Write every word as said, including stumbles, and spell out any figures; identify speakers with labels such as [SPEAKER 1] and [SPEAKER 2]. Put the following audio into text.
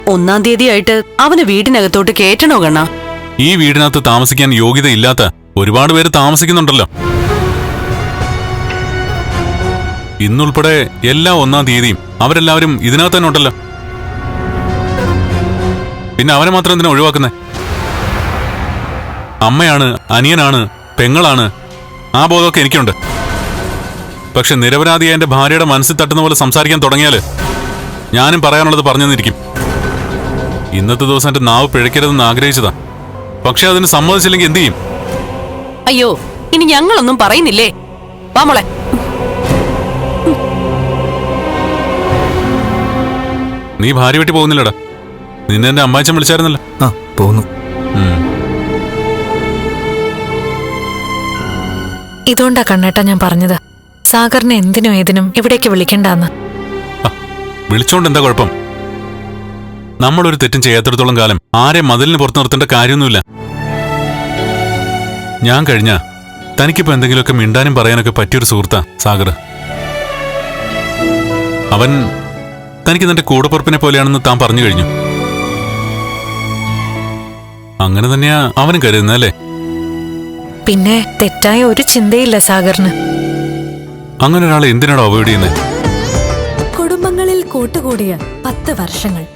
[SPEAKER 1] ഒന്നാം തീയതി ആയിട്ട് അവന് വീടിനകത്തോട്ട് കേറ്റണോ കണ്ണാ?
[SPEAKER 2] ഈ വീടിനകത്ത് താമസിക്കാൻ യോഗ്യതയില്ലാത്ത ഒരുപാട് പേര് താമസിക്കുന്നുണ്ടല്ലോ. ഇന്നുൾപ്പെടെ എല്ലാ ഒന്നാം തീയതിയും അവരെല്ലാവരും ഇതിനകത്ത് തന്നെ ഉണ്ടല്ലോ. പിന്നെ അവനെ മാത്രം എന്തിനാ ഒഴിവാക്കുന്നേ? അമ്മയാണ്, അനിയനാണ്, പെങ്ങളാണ്, ആ ബോധമൊക്കെ എനിക്കുണ്ട്. പക്ഷെ നിരപരാധിയായ എന്റെ ഭാര്യയുടെ മനസ്സിൽ തട്ടുന്ന പോലെ സംസാരിക്കാൻ തുടങ്ങിയാല് ഞാനും പറയാനുള്ളത് പറഞ്ഞു തന്നിരിക്കും. ഇന്നത്തെ ദിവസം എന്റെ നാവ് പിഴയ്ക്കരുതെന്ന് ആഗ്രഹിച്ചതാ. പക്ഷെ അതിന് സമ്മതിച്ചില്ലെങ്കിൽ എന്ത് ചെയ്യും?
[SPEAKER 1] അയ്യോ, ഇനി ഞങ്ങളൊന്നും പറയുന്നില്ലേ? വാ മോളെ.
[SPEAKER 2] നീ ഭാര്യ വീട്ടിൽ പോകുന്നില്ലടാ. നിന്നെ എന്റെ അമ്മാച്ചൻ വിളിച്ചായിരുന്നല്ലോ.
[SPEAKER 3] ആ പോകുന്നു.
[SPEAKER 4] ഇതുകൊണ്ടാ കണ്ണേട്ടാ ഞാൻ പറഞ്ഞത്, സാഗറിനെ എന്തിനും ഏതിനും ഇവിടേക്ക് വിളിക്കണ്ടെന്ന്.
[SPEAKER 2] വിളിച്ചോണ്ട് എന്താ കുഴപ്പം? നമ്മളൊരു തെറ്റും ചെയ്യാത്തിടത്തോളം കാലം ആരെ മതിലിന് പുറത്തു നിർത്തേണ്ട കാര്യമൊന്നുമില്ല. ഞാൻ കഴിഞ്ഞ തനിക്കിപ്പോ എന്തെങ്കിലുമൊക്കെ മിണ്ടാനും പറയാനൊക്കെ പറ്റിയൊരു സുഹൃത്താ സാഗർ. അവൻ തനിക്ക് തന്റെ കൂടപ്പുറപ്പിനെ പോലെയാണെന്ന് താൻ പറഞ്ഞു കഴിഞ്ഞു. അങ്ങനെ തന്നെയാ അവനും കരുതുന്നല്ലേ?
[SPEAKER 4] പിന്നെ തെറ്റായ ഒരു ചിന്തയില്ല സാഗറിന്.
[SPEAKER 2] അങ്ങനെ ഒരാളെ എന്തിനാണോ അവോയ്ഡ് ചെയ്യുന്നത്?
[SPEAKER 5] കുടുംബങ്ങളിൽ കൂട്ടുകൂടിയ പത്ത് വർഷങ്ങൾ